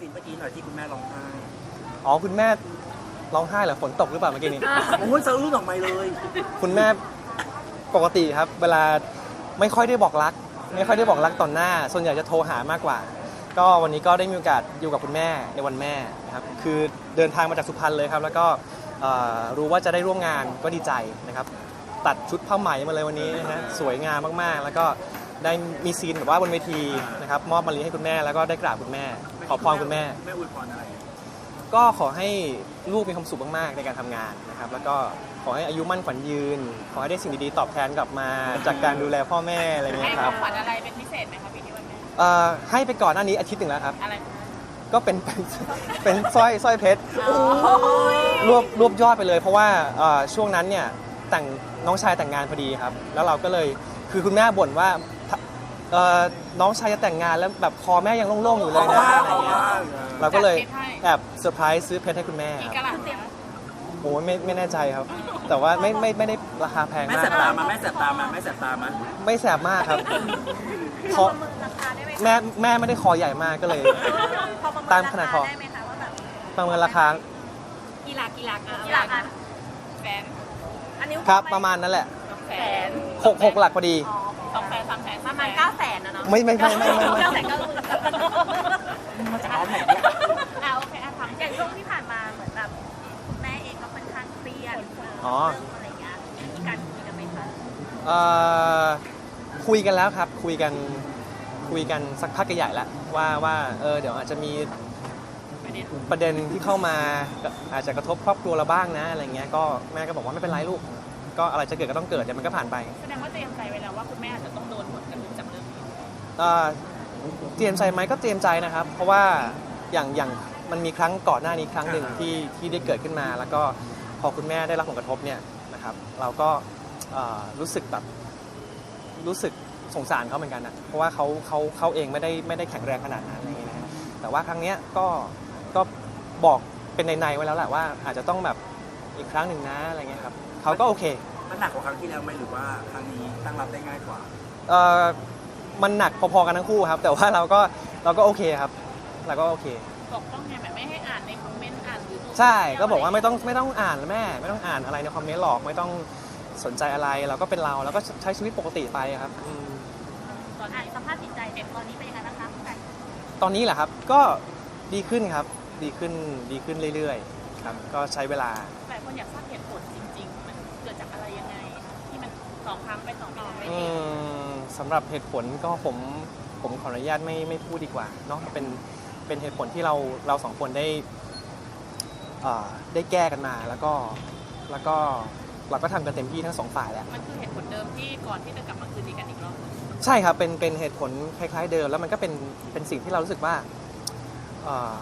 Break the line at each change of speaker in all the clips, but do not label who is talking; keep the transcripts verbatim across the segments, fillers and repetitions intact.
นเมื่อกี้หน่อยที่คุณแม่ร้องไห้
อ๋อคุณแม่ร้องไห้เหรอฝนตกหรือเปล่าเมื่อกี้นี้
โอ้ยสะอื้นออกมาเลย
คุณแม่ปกติครับเวลาไม่ค่อยได้บอกรัก ไม่ค่อยได้บอกรักต่อหน้า ส่วนใหญ่จะโทรหามากกว่า ก็วันนี้ก็ได้มีโอกาสอยู่กับคุณแม่ในวันแม่นะครับคือเดินทางมาจากสุพรรณเลยครับแล้วก็รู้ว่าจะได้ร่วมงานก็ดีใจนะครับตัดชุดผ้าไหมมาเลยวันนี้นะฮะสวยงามมากๆแล้วก็ได้มีซีนแบบว่าบนเวทีนะครับมอบมะลิให้คุณแม่แล้วก็ได้กราบคุณแม่ขอพรคุณแม่
แม่อวยพรอะไร
ก็ขอให้ลูกมีความสุขมากๆในการทำงานนะครับแล้วก็ขอให้อายุมั่นขวัญยืน ขอให้ได้สิ่งดีๆตอบแทนกลับมาจากการดูแลพ่อแม่อะไรเงี้
ให้
ย
ข
ค
อ
รับ
งขวัญอะไรเป็นพิเศษไหมคะปีนี้วันแม่
เอ่อให้ไปก่อนหน้านี้อาทิตย์หนึ่งแล้วครับ
อะไร
ก็เป็นเป็นเป็นสร้อยสร้อยเพชรรวบรวบยอดไปเลย เพราะว่าเอ่อช่วงนั้นเนี่ยแต่งน้องชายแต่งงานพอดีครับแล้วเราก็เลยคือคุณแม่บ่นว่าเอ่อน้องชายจะแต่งงานแล้วแบบคอแม่ยังโล่งๆอยู่เลยนะอะไรเงี้ยเราก็เลยแอบเซอร์ไพรส์ซื้อเพชรให้คุณแม่
กี่
ค
กะ
รับ
ลัดเต็ม
โอ้ไม่ไม่แน่ใจครับ แต่ว่าไม่ไม่ไม่ได้ราคาแพง
แม่
มา
แส
ก
บตามาแม่แสบตามาแม่แสบตามา
ไม่แสบมากครับคอแม่แม่ไม่ได้คอใหญ่มากก็เลย ตามขนาดคอ
ได้ไหมคะว่าแบบ
ประเมินราคา
กี่หลักกี่หลัก
กี่หลักอ่ะ
แสน
อันนี้
ครับประมาณนั้นแหละ
สองแสน
หกหกหลักพอดี
สองแสนสามแสน
ประมาณเก้าแสนนะเนาะ
ไม่ไม่ไม่ไม่ไม่ไม่
เก้าแสนเก้าหมื่น
มาจากร้านไหนเนี่ย
อ่าโอเคอ่ะถามอย่างช่วงที่ผ่านมาเหมือนแบบคุณแม่เองก็ค่อนข้างเครียดเรื่องอะไรอย่างเงี้ยมีการคุยกันไหมคะ
เอ่อคุยกันแล้วครับคุยกันคุยกันสักพักใหญ่แล้วว่าว่าเออเดี๋ยวอาจจะมีประเด็นที่เข้ามาอาจจะกระทบครอบครัวเราบ้างนะอะไรเงี้ยก็แม่ก็บอกว่าไม่เป็นไรลูกก็อะไรจะเกิดก็ต้องเกิดเดี๋ยวมันก็ผ่านไป
แสดงว่าเตรียมใจไว้แล้วว่าคุณแม่อาจจะต้องโดนผลกระทบจากเรื่องนี้
เอ่อเตรียมใจไหมก็เตรียมใจนะครับ เพราะว่าอย่างอย่างมันมีครั้งก่อนหน้านี้ครั้งหนึ่งที่ที่ได้เกิดขึ้นมา แล้วก็พอคุณแม่ได้รับผลกระทบเนี่ยนะครับเราก็เอ่อรู้สึกแบบรู้สึกสงสารเขาเหมือนกันนะเพราะว่าเขาเขาเขาเองไม่ได้ไม่ได้แข็งแรงขนาดนั้นอะไรอย่างเงี้ยนะแต่ว่าครั้งเนี้ยก็ก็บอกเป็นในๆไว้แล้วแหละว่าอาจจะต้องแบบอีกครั้งหนึ่งนะอะไรเงี้ยครับเขาก็โอเค
มันหนักกว่าครั้งที่แล้วไหมหรือว่าครั้งนี้ตั้งรับได้ง่ายกว่า
เอ่อมันหนักพอๆกันทั้งคู่ครับแต่ว่าเราก็เราก็โอเคครับเราก็โอเค
ปกป้องไงแบบไม่ให้อ่านในคอมเมนต์อ่านหรือดู
ใช่ก็บอกว่าไม่ต้องไม่ต้องอ่านแม่ไม่ต้องอ่านอะไรในคอมเมนต์หรอกไม่ต้องสนใจอะไรเราก็เป็นเราแล้วก็ใช้ชีวิตปกติไปครับอืม
ตอนนี้สภาพจิตใจเด็กตอนนี้เป็นยังไงบ้างคะคุณไก่
ตอนนี้แหละครับก็ดีขึ้นครับดีขึ้นดีขึ้นเรื่อยๆครับก็ใช้เวลา
หลายคนอยากทราบเหตุผลจริงๆ มันเกิดจากอะไรยังไง ที่มันสองครั้งไปสองไม่ได้ไม่
อื
ดี
มสำหรับเหตุผลก็ผมผมขออนุญาตไม่ไม่พูดดีกว่าเนาะเป็นเป็นเหตุผลที่เราเราสองคนได้เอ่อได้แก้กันมาแล้วก็แล้วก็เราก็ทำกันเต็มที่ทั้งสองฝ่ายแล้ว
มันคือเหตุผลเดิมที่ก่อนที่จะกลับมาคืนดีกันอีกรอบ
ใช่ครับเป็นเป็นเหตุผลคล้ายๆเดิมแล้วมันก็เป็นเป็นสิ่งที่เรารู้สึกว่าเอ่อ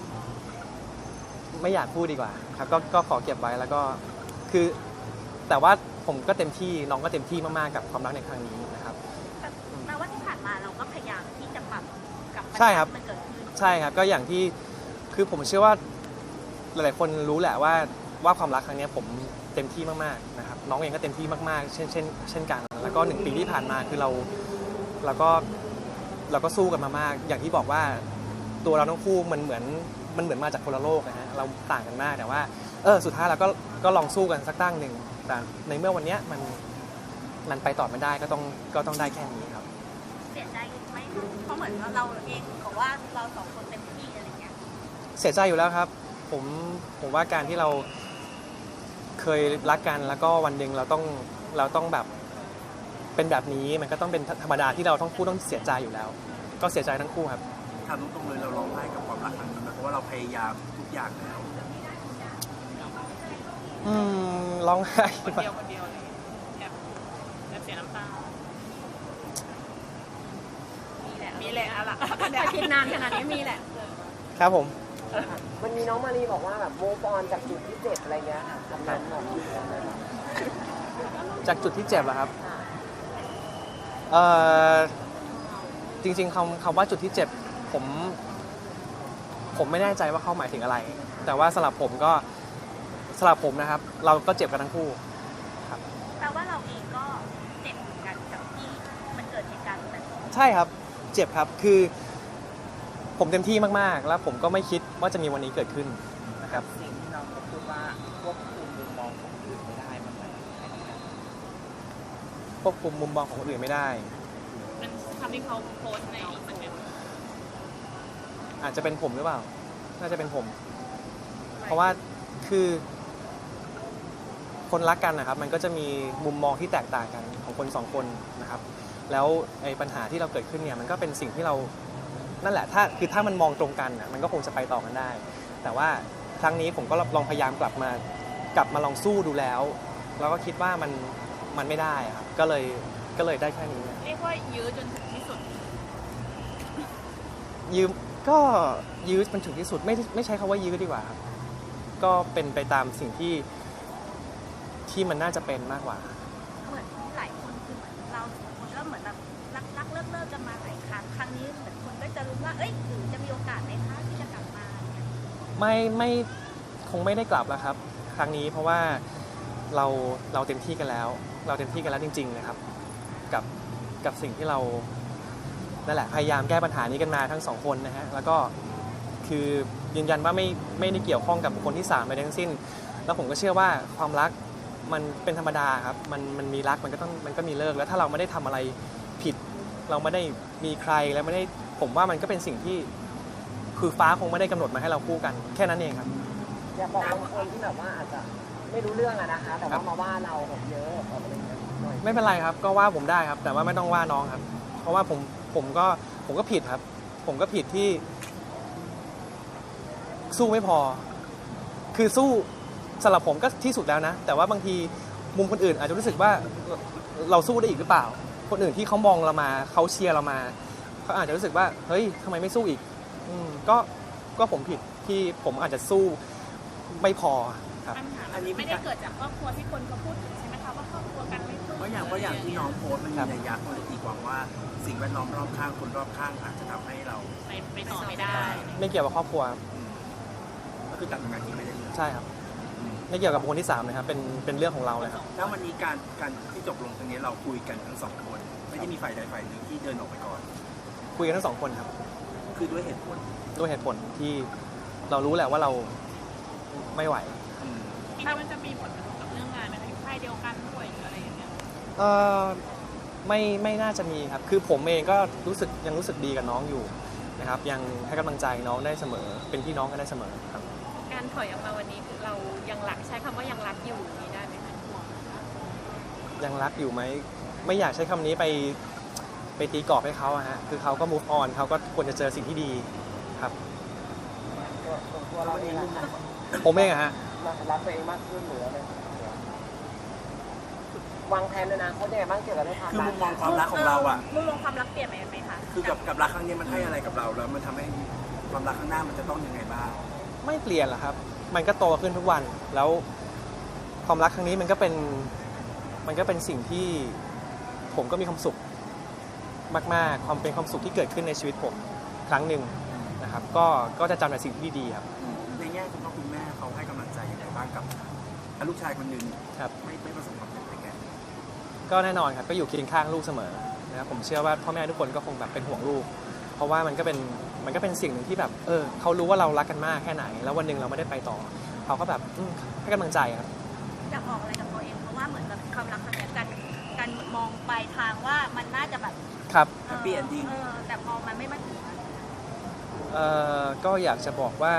ไม่อยากพูดดีกว่าครับก็ก็ขอเก็บไว้แล้วก็คือแต่ว่าผมก็เต็มที่น้องก็เต็มที่มากๆกับความรักในครั้งนี้นะครับ
แปลว่าที่ผ่านมาเราก็พยายามที่จะปรับกับปัญ
ใช่
หา
ครับ
ที่มันเกิดขึ้น
ใช่ครับก็อย่างที่คือผมเชื่อว่าหลายๆคนรู้แหละว่าว่าความรักครั้งนี้ผมเต็มที่มากๆนะครับน้องเองก็เต็มที่มากๆเช่นเช่นเช่นกันแล้วก็หนึ่งปีที่ผ่านมาคือเราเราก็เราก็สู้กันมามาก อย่างที่บอกว่าตัวเราทั้งคู่มันเหมือนมันเหมือนมาจากคนละโลกนะฮะเราต่างกันมากแต่ว่าเออสุดท้ายเราก็ก็ลองสู้กันสักตั้งหนึ่งแต่ในเมื่อวันนี้มันมันไปต่อไม่ได้ก็ต้องก็ต้องได้แค่นี้ครับ
เสียใจไหมเพราะเหมือนว่าเราเองบอกว่าเราสองคนเต็มที่อะไรเงี้ย
เสียใจอยู่แล้วครับผมผมว่าการที่เราเคยรักกันแล้วก็วันหนึ่งเราต้องเราต้องแบบเป็นแบบนี้มันก็ต้องเป็นธรรมดาที่เราต้องคู่ต้องเสียใจอยู่แล้ว ก็เสียใจทั้งคู่ครับ
ถามตรงๆเลยเราร้องไห้กับความรักครั้งนี้ไหมเพราะว่าเราพยายามทุกอย่างแล้ว
อืมร้องไห้
คนเดียวคนเดียวเลยแอบแอบเสียน้ำตา
มีแหละ
มีแหละอะล่ะ
แต่คิดนานขนาดนี้มีแหละ
ครับผม
มันมีน้องมารีบอกว่าแบบโมฟอนจากจุดที่เจ็บอะไรเงี้ยค่ะทำนั้นหรอก
จากจุดที่เจ็บเหรอครับเอ่อจริงๆคำคำว่าจุดที่เจ็บผมผมไม่แน่ใจว่าเขาหมายถึงอะไร แต่ว่าสำหรับผมก็สำหรับผมนะครับ เราก็เจ็บกันทั้งคู่ครับ
แปลว่าเราเองก็เจ็บเหมือนกันกับที่มันเกิดเหตุการณ์แบบนี้
ใช่ครับเจ็บครับคือผมเต็มที่มากๆแล้วผมก็ไม่คิดว่าจะมีวันนี้เกิดขึ้นนะครับ
สิ่งที่น้องเขาพูดว่าควบคุมมุมมองของคนอื่นไม่ได้มันหมายถึงอะไรครับ
ควบคุมมุมมองของคนอื่นไม่ได้
มันคำที่เขาโพสต์ในอินสตาแกรม
อาจจะเป็นผมหรือเปล่าน่าจะเป็นผม เพราะว่าคือคนรักกันนะครับมันก็จะมีมุมมองที่แตกต่างกันของคนสองคนนะครับแล้วไอ้ปัญหาที่เราเกิดขึ้นเนี่ยมันก็เป็นสิ่งที่เรานั่นแหละถ้าคือถ้ามันมองตรงกันน่ะมันก็คงจะไปต่อกันได้ แต่ว่าครั้งนี้ผมก็ลองพยายามกลับมากลับมาลองสู้ดูแล้วแล้วก็คิดว่ามันมันไม่ได้ครับก็เลยก็เลยได้แค่นี้
เรียกว่ายื้อจนถึงที่สุด
ยืมก็ยื้อมันถึงที่สุดไม่ไม่ใช้คำว่ายื้อดีกว่าครับก็เป็นไปตามสิ่งที่ที่มันน่าจะเป็นมากกว่า
เหมือนหลายคนคือเหมือนเราสองคนก็เหมือนแบบรักรักเลิกเลิกกันมาหลายครั้งครั้งนี้เหมือนคนก็จะรู้ว่าเอ้ยหรือจะมีโอกาสไหมคะที่จะกลับมาเนี่ย
ไม่ไม่คงไม่ได้กลับแล้วครับ ครั้งนี้เพราะว่าเราเราเต็มที่กันแล้ว เราเต็มที่กันแล้วจริงๆนะครับกับกับสิ่งที่เรานั่นแหละพยายามแก้ปัญหานี้กันมาทั้งสองคนนะฮะแล้วก็คือยืนยันว่าไม่ไม่ได้เกี่ยวข้องกับบุคคลที่สามใดทั้งสิ้น แล้วผมก็เชื่อว่าความรักมันเป็นธรรมดาครับมันมันมีรักมันก็ต้องมันก็มีเลิกแล้วถ้าเราไม่ได้ทำอะไรผิด เราไม่ได้มีใครแล้วไม่ได้ผมว่ามันก็เป็นสิ่งที่คือฟ้าคงไม่ได้กำหนดมาให้เราคู่กันแค่นั้นเองครับ
อยากบอกบางคนที่แบบว่าอาจจะไม่รู้เรื่องอะนะคะ แต่ว่ามาว่าเราแบบเยอะแบบอะไรเงี้ยหน่อย
ไม่เป็นไรครับก็ว่าผมได้ครับ แต่ว่าไม่ต้องว่าน้องครับ เพราะว่าผมผมก็ผมก็ผิดครับ ผมก็ผิดที่สู้ไม่พอ คือสู้สำหรับผมก็ที่สุดแล้วนะ แต่ว่าบางทีมุมคนอื่นอาจจะรู้สึกว่าเราสู้ได้อีกหรือเปล่า คนอื่นที่เขามองเรามาเขาเชียร์เรามาเขาอาจจะรู้สึกว่าเฮ้ยทำไมไม่สู้อีกอืมก็ก็ผมผิดที่ผมอาจจะสู้ไม่พอครับ
ปัญหามันไม่ได้เกิดจากครอบครัวที่คนเขาพูดถึงใช่ไหมคะว่าครอบครัวกันไม่สู้
เพราะอย่างเพราะอย่างที่น้องโพสต์มัน
ครั
มี
บ
นัยยะคนตีความว่าสิ่งแวดล้อมรอบข้างคนรอบข้างอาจจะทำให้เรา
ไปไปต่อไม่ได้
ไม่เกี่ยวกับครอบครัว
อืมก็คือตัดทำงานที่ไม่ได้เลย
ใช่ครับไม่เกี่ยวกับบุคคลที่สามนะครับเป็นเป็นเรื่องของเราเลยครับ
แล้ววันนี้การการที่จบลงตรงนี้เราคุยกันทั้งสองคน ไม่ได้มีฝ่ายใดฝ่ายหนึ่งที่เดินออกไปก่อน
คุยกันทั้งสองคนครับ
คือด้วยเหตุผล
ด้วยเหตุผลที่เรารู้แหละว่าเราไม่ไหว
อืม
คิดว่ามันจะมีผลกระทบกับเรื่องงานไหมคะอยู่ค่ายเดียวกันด้วยหรืออะไรอย่างเงี้ย
เออไม่ไม่น่าจะมีครับคือผมเองก็รู้สึกยังรู้สึกดีกับน้องอยู่นะครับยังให้กำลังใจน้องได้เสมอเป็นพี่น้องกันได้เสมอครับ
การถอยออกมาวันนี้คือเรายังรักใช้คำว่ายังรักอยู่อย่างนี้ได้ไหมคะห่วงไหมคะ
ยังรักอยู่ไหมไม่อยากใช้คำนี้ไปไปตีกรอบให้เขาอะฮะคือเขาก็ move on เขาก็ควรจะเจอสิ่งที่ดีครับ
ตัวตัวเราเองอะ
ผมเองอะฮะ
รักตัวเองมากขึ้นหรืออะไรวางแผนในอนาคตยังไงบ้างเกี่ยวกับเรื่องความ
คือ
รั
มุ
ก
มมองความรักของเราอ่ะ
มุมมองความรักเปลี่ยนไปไหมคะ
คือกับกับรักครั้งนี้มันให้อะไรกับเราแล้วมันทำให้ความรักข้างหน้ามันจะต้องยังไงบ้าง
ไม่เปลี่ยนหรอกครับ มันก็โตขึ้นทุกวัน แล้วความรักครั้งนี้มันก็เป็น มันก็เป็นสิ่งที่ผมก็มีความสุขมากๆ ความเป็นความสุขที่เกิดขึ้นในชีวิตผมครั้งหนึ่งนะครับ ก็ ก็จะจำแต่สิ่งที่ดีๆครับ
ในแง่คุณพ่อคุณแม่เขาให้กำลังใจยังไงบ้างกับลูกชายคนหนึ่ง
ครับ
ไม่ไม่ประสบความสำเร็จในแง่
ก็แน่นอนครับ ก็อยู่เคียงข้างลูกเสมอนะครับ ผมเชื่อว่าพ่อแม่ทุกคนก็คงแบบเป็นห่วงลูก เพราะว่ามันก็เป็น มันก็เป็นสิ่งหนึ่งที่แบบ เออเขารู้ว่าเรารักกันมากแค่ไหน แล้ววันหนึ่งเราไม่ได้ไปต่อ เขาก็แบบอืมให้กำลังใจครับ
อยากบอกอะไรกับตัวเองเพราะว่าเหมือนแบบความรักครั้งเนี้ยการการมองไปทางว่ามันน่าจะแบบ
ครับ
เออ
Happy ending
เออแต่พอมันไม่มาถึง
เอ่อก็อยากจะบอกว่า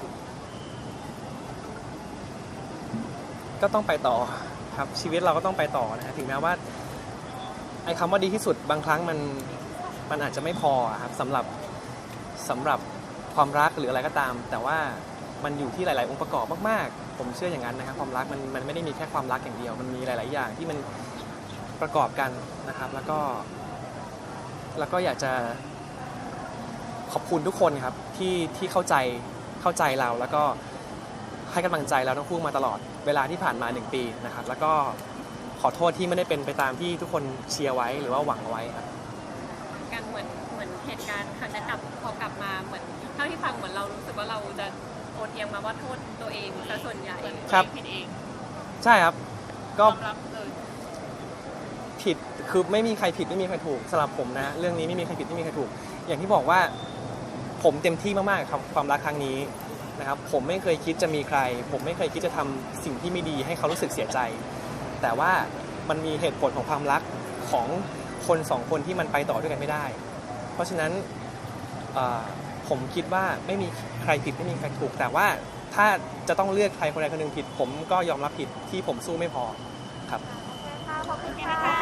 ก็ต้องไปต่อครับชีวิตเราก็ต้องไปต่อนะฮะถึงแม้ว่าไอ้คำว่าดีที่สุดบางครั้งมันมันอาจจะไม่พอครับสำหรับสำหรับความรักหรืออะไรก็ตาม แต่ว่ามันอยู่ที่หลาย ๆ องค์ประกอบมาก ๆ ผมเชื่ออย่างนั้นนะครับความรักมันมันไม่ได้มีแค่ความรักอย่างเดียว มันมีหลาย ๆ อย่างที่มันประกอบกันนะครับ แล้วก็ แล้วก็อยากจะขอบคุณทุกคนครับที่ที่เข้าใจเข้าใจเราแล้วก็ให้กำลังใจเราทั้งคู่มาตลอดเวลาที่ผ่านมาหนึ่งปีนะครับ แล้วก็ขอโทษที่ไม่ได้เป็นไปตามที่ทุกคนเชียร์ไว้หรือว่าหวังเอาไว้ครับ
การเหมือนเหมือนเหตุการณ์ครั้งนั้นกลับพอกลับมาเหมือนเท่าที่ฟังเหมือนเรารู้สึกว่าเราจะโอนเอียงมาว่าโทษตัวเองซะส่วนใหญ่
ครับ
ผิดเอง
ใช่ครับ
ย
ก็
อมรับเลย
ผิดคือไม่มีใครผิดไม่มีใครถูกสำหรับผมนะเรื่องนี้ไม่มีใครผิดไม่มีใครถูก อย่างที่บอกว่าผมเต็มที่มากๆกับความรักครั้งนี้นะครับผมไม่เคยคิดจะมีใครผมไม่เคยคิดจะทำสิ่งที่ไม่ดีให้เขารู้สึกเสียใจแต่ว่ามันมีเหตุผลของความรักของคนสองคนที่มันไปต่อด้วยกันไม่ได้เพราะฉะนั้นผมคิดว่าไม่มีใครผิดไม่มีใครถูกแต่ว่าถ้าจะต้องเลือกใครคนใดคนหนึ่งผิดผมก็ยอมรับผิดที่ผมสู้ไม่พอครับ
ขอบคุณค่ะ